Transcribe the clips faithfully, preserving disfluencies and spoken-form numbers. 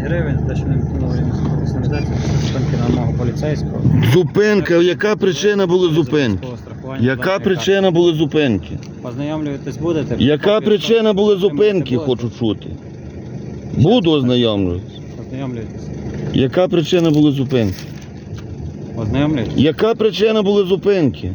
гривень за те, що не виконували сигналізацію, зупинки на вимогу поліцейського. Зупинка, яка причина була зупинки? Яка причина була зупинки? Ознайомлюватись будете? Яка причина була зупинки, хочу чути? Буду ознайомлюватися. Ознайомлюйтесь. Яка причина була зупинки? Ознайомлюйтесь? Яка причина була зупинки?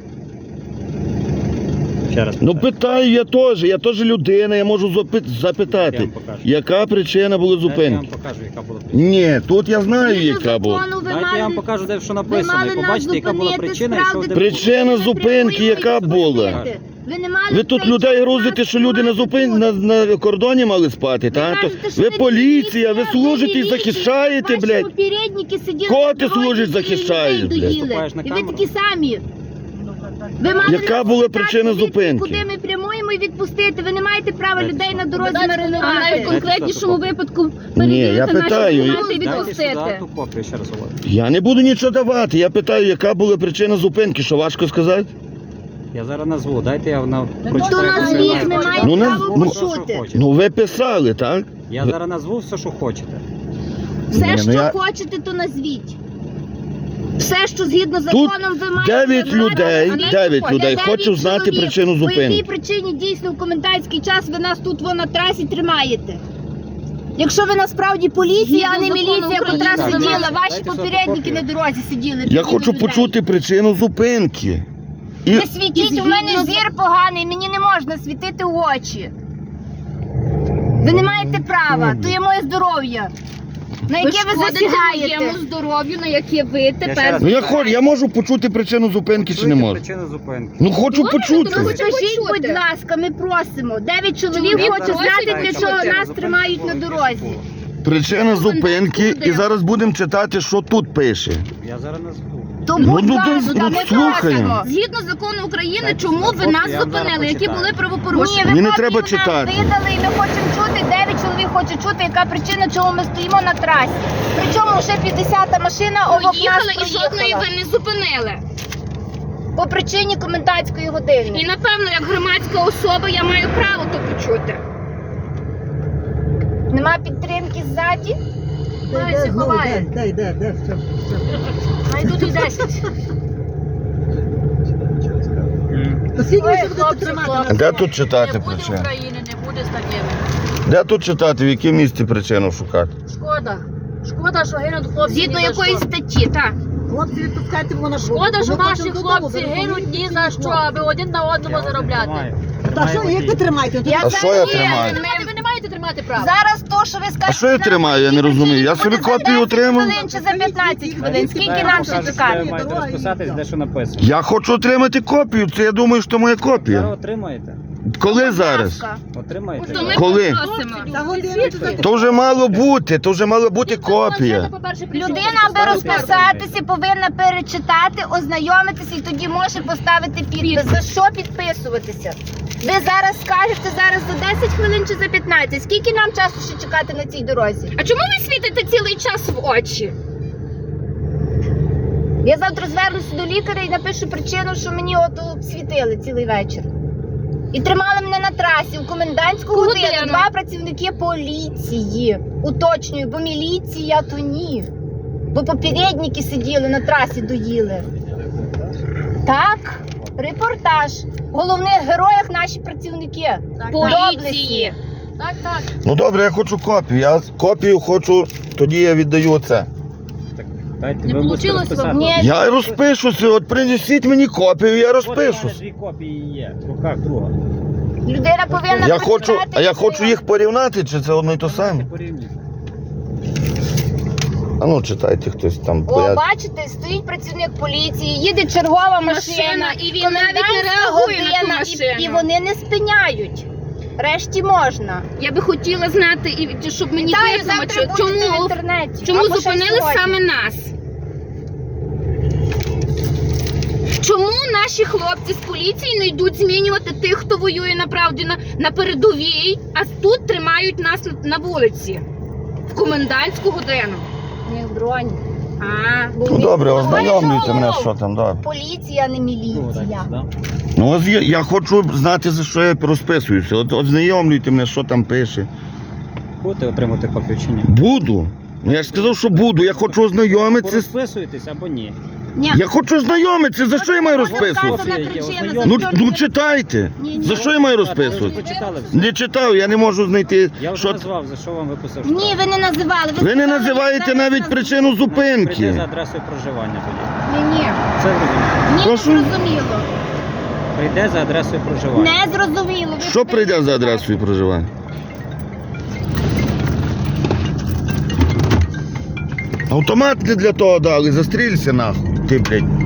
Ще раз Ну питаю. питаю я теж, я теж людина, я можу запит- Я запитати. вам покажу. Яка причина була Дайте я вам зупинки? покажу, яка була причина. Ні, тут я знаю, яка була. Дайте я вам покажу, де що написано, і побачите, яка була причина, і що де Причина зупинки, яка була? Ви не мали Ви тут цей людей час грузите, що люди на зупин на, на кордоні мали спати, та? То кажете, що ви ви поліція, ви міліція, служите і міліція, захищаєте, ваші блядь. попередники сиділи Кого на ти дорозі, служиш, собі захищаєш, людей блядь? доїли. Виступаєш на І ви камеру? такі самі. Ви мали Яка нас була запитати, причина від- зупинки? Куди ми прямуємо і відпустити? Ви не маєте права Дайте людей сюди. на дорозі А маринувати. навіть в конкретнішому випадку Ні, я перевірити наші питаю. документи і Дайте відпустити. сюди ту копію, ще раз говорю. Я не буду нічого давати, я питаю, яка була причина зупинки, що важко сказати? Я зараз назву, дайте я на То прочитаю. назвіть, все, ми що маємо Ну, право ну, почути. хочете. Ну ви писали, так? Я зараз назву все, що хочете. Все, Ні, ну що я- хочете, то назвіть. Все, що згідно з Тут законом ви маєте дев'ять знати. людей, А не дев'ять хочете. людей Дев'ять хочуть знати чоловік. причину По якій зупинки. причині дійсно в комендантський час ви нас тут во на трасі тримаєте? Якщо ви насправді поліція, а не Згідно закону міліція, котра України, сиділа, дайте ваші сюди попередники копію. на дорозі сиділи. Я тоді хочу до людей. почути причину зупинки. І Не світіть, у мене зір поганий, мені не можна світити в очі. Ви не маєте права, то є моє здоров'я, на яке ви шкодите засягаєте. моєму здоров'ю, на яке ви ще тепер... раз ну я хочу, я можу почути причину зупинки чи не Чуєте можу? причину зупинки. Ну хочу Добре, почути. то ви Скажіть, почути. будь ласка, ми просимо. Дев'ять чоловік Чоловік хоче просить, знати, для просить. чого Причина нас тримають на дорозі. Причина зупинки, і Буде. зараз будемо читати, що тут пише. Я зараз назву. То Ну, будь ну, ласка, ну, ми слухаємо. просимо. Згідно закону України, Дайте чому сюди ви нас копію, я вам зараз зупинили, які почитаю. були Ні, правопорушення? ви Мені не копію треба нам читати. видали, і ми хочемо чути, дев'ять чоловік хоче чути, яка причина, чому ми стоїмо на трасі. Причому вже п'ятдесята машина обох нас Проїхали і жодної проїхала. ви не зупинили. По причині комендантської години. І напевно, як громадська особа, я маю право то почути. Нема підтримки ззаді? Ховайся, ховає. Дай, дай, дай, все. Найдуть і десять. То скільки ви Ой, ще будете хлопці, тримати? хлопці. Де тут читати Не буде причину? України, не буде з такими. Де тут читати, в якому місці причину шукати? Шкода. Шкода, що гинуть хлопці. Згідно ні за якоїсь що. статті, так. Хлопці, відпускайте мене. Шкода, що наші хлопці гинуть ні за що, аби один на одному заробляти. Та що, як ви тримаєте? Я А що я зараз- тримаю? Тримати ви не маєте тримати право. Зараз то, що ви скажете. А що я тримаю, я не розумію. Я собі буде за копію десять отримав. хвилин чи за п'ятнадцять хвилин. Скільки нам ще Ви чекати? маєте розписатись, де що написано. Я хочу отримати копію, це я думаю, що моя Зараз копія. отримаєте. Коли Будь зараз? ласка. Отримаєте. То ми Коли? попросимо. За годину чи за То вже мало бути, то вже мала бути копія. Людина, аби розписатися, повинна перечитати, ознайомитися і тоді може поставити підпис. За що підписуватися? Ви зараз скажете зараз за десять хвилин чи за п'ятнадцять. Скільки нам часу ще чекати на цій дорозі? А чому ви світите цілий час в очі? Я завтра звернуся до лікаря і напишу причину, що мені от світили цілий вечір. І тримали мене на трасі у комендантську годину. Годину. Два працівники поліції. Уточнюю, бо міліція то ні. Бо попередники сиділи на трасі, доїли. Так, репортаж. В головних героях наші працівники. Поліції. Так, так. Ну добре, я хочу копію. Я копію хочу, тоді я віддаю оце. Так, дайте, Не ви будете получилось розписати. вам? Ні. Я розпишуся, от принесіть мені копію, я От у мене розпишусь. дві копії є, в руках друга. Людина повинна Я хочу, прочитати а я і хочу їх порівняти, чи це одно й то саме? Порівнюйте. А ну читайте хтось там. О, поряд. бачите, стоїть працівник поліції, їде чергова машина, Машина, і він навіть не комендантська реагує на ту година, машину. І, і вони не спиняють. Решті можна. Я би хотіла знати, і щоб мені Та, і визнало, завтра чому, будете в чому, інтернеті. чому Або ще зупинили сьогодні. саме нас. Чому наші хлопці з поліції не йдуть змінювати тих, хто воює направді на, на передовій, а тут тримають нас на, на вулиці в комендантську годину? Не в броні. А, Бо Ну він- добре, Ну, ознайомлюйте ну, мене, ну, що там, добре. Поліція, а не Друга дайте міліція. сюди. Ну ось я, я хочу знати, за що я розписуюся. От ознайомлюйте мене, що там пише. Будете отримувати копію чи ні? Буду. Ну, я ж сказав, що буду. Я хочу ознайомитися. Розписуєтесь або ні? Ні. Я хочу ознайомитися. За що я маю розписуватися? Вказана причина Ну, за ну читайте. Ні, ні. За що я маю Ви вже розписувати? почитали все? Не читав, я не можу знайти. Я вже Що... назвав, за що вам виписав Ні, штраф. ви не називали. Ви не сказали, називаєте зараз навіть наз- причину Прийде зупинки. за адресою проживання тоді. Ні, ні. Це зрозуміло. Ні, не Прошу? зрозуміло. Прийде за адресою проживання. Не зрозуміло. Ви Що прийде за адресою проживання? Автомат не для того дали, застрілься нахуй. Ти, блядь.